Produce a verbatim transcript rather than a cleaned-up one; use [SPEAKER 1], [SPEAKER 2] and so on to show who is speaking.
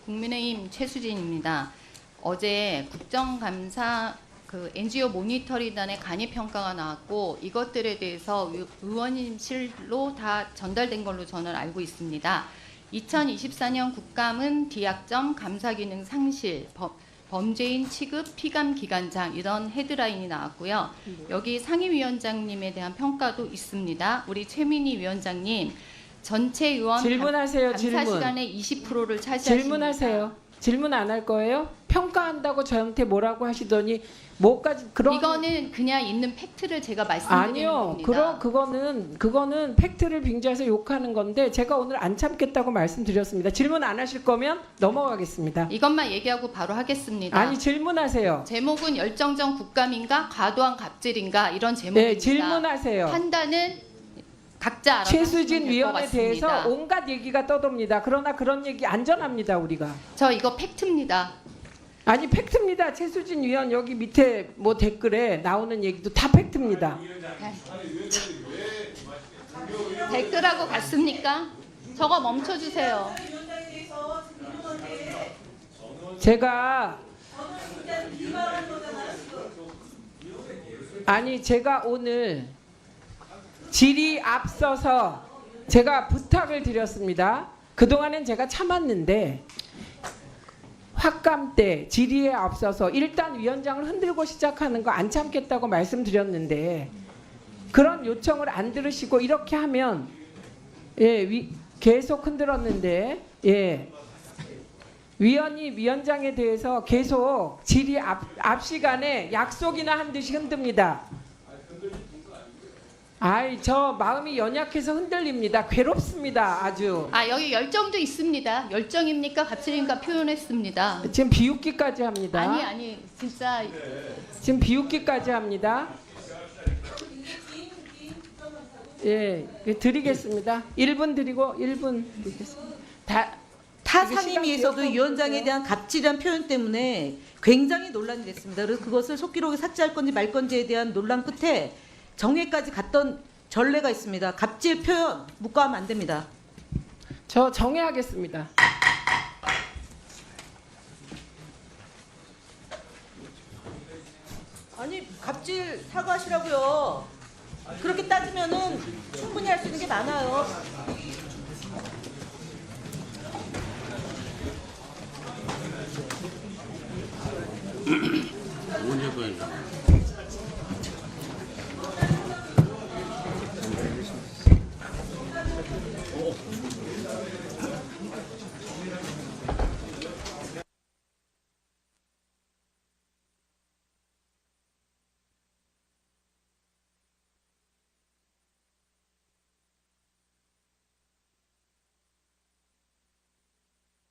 [SPEAKER 1] 국민의힘 최수진입니다. 어제 국정감사 그 엔지오 모니터링단의 간이 평가가 나왔고 이것들에 대해서 의- 의원님실로 다 전달된 걸로 저는 알고 있습니다. 이천이십사 년 국감은 디약점, 감사기능 상실, 범, 범죄인 취급, 피감 기관장 이런 헤드라인이 나왔고요. 여기 상임위원장님에 대한 평가도 있습니다. 우리 최민희 위원장님 전체 의원
[SPEAKER 2] 질문하세요.
[SPEAKER 1] 감사
[SPEAKER 2] 질문.
[SPEAKER 1] 시간의 이십 퍼센트를 차지하십니다.
[SPEAKER 2] 질문하세요. 질문 안 할 거예요? 평가한다고 저한테 뭐라고 하시더니 뭐까지 그런
[SPEAKER 1] 이거는 그냥 있는 팩트를 제가 말씀드리는
[SPEAKER 2] 아니요.
[SPEAKER 1] 겁니다.
[SPEAKER 2] 그러 그거는 그거는 팩트를 빙자해서 욕하는 건데 제가 오늘 안 참겠다고 말씀드렸습니다. 질문 안 하실 거면 넘어가겠습니다.
[SPEAKER 1] 이것만 얘기하고 바로 하겠습니다.
[SPEAKER 2] 아니 질문하세요.
[SPEAKER 1] 제목은 열정적 국감인가 과도한 갑질인가 이런 제목입니다.
[SPEAKER 2] 네, 질문하세요.
[SPEAKER 1] 판단은 각자 알아서
[SPEAKER 2] 최수진
[SPEAKER 1] 하시면 될것
[SPEAKER 2] 위원에
[SPEAKER 1] 같습니다.
[SPEAKER 2] 대해서 온갖 얘기가 떠돕니다. 그러나 그런 얘기 안전합니다, 우리가.
[SPEAKER 1] 저 이거 팩트입니다.
[SPEAKER 2] 아니 팩트입니다. 최수진 위원 여기 밑에 뭐 댓글에 나오는 얘기도 다 팩트입니다.
[SPEAKER 1] 댓글하고 같습니까? 저거 멈춰주세요.
[SPEAKER 2] 제가 아니 제가 오늘 질이 앞서서 제가 부탁을 드렸습니다. 그동안엔 제가 참았는데 확감 때 질의에 앞서서 일단 위원장을 흔들고 시작하는 거 안 참겠다고 말씀드렸는데 그런 요청을 안 들으시고 이렇게 하면 예, 위, 계속 흔들었는데 예. 위원이 위원장에 대해서 계속 질의 앞, 앞 시간에 약속이나 한 듯이 흔듭니다. 아이 저 마음이 연약해서 흔들립니다. 괴롭습니다. 아주.
[SPEAKER 1] 아 여기 열정도 있습니다. 열정입니까 갑질입니까 표현했습니다.
[SPEAKER 2] 지금 비웃기까지 합니다.
[SPEAKER 1] 아니 아니 진짜
[SPEAKER 2] 지금 비웃기까지 합니다. 예, 드리겠습니다. 일 분 드리고 일 분 드리겠습니다. 다
[SPEAKER 3] 타
[SPEAKER 2] 이게
[SPEAKER 3] 상임위에서도
[SPEAKER 2] 시간
[SPEAKER 3] 위원장에
[SPEAKER 2] 기억하고
[SPEAKER 3] 대한 갑질한 표현 때문에 굉장히 논란이 됐습니다. 그래서 그것을 속기록에 삭제할 건지 말 건지에 대한 논란 끝에 정회까지 갔던 전례가 있습니다. 갑질 표현 묵과하면 안 됩니다.
[SPEAKER 2] 저 정해하겠습니다.
[SPEAKER 3] 아니 갑질 사과하시라고요. 그렇게 따지면은 충분히 할 수 있는 게 많아요.
[SPEAKER 4] 언제 보인다.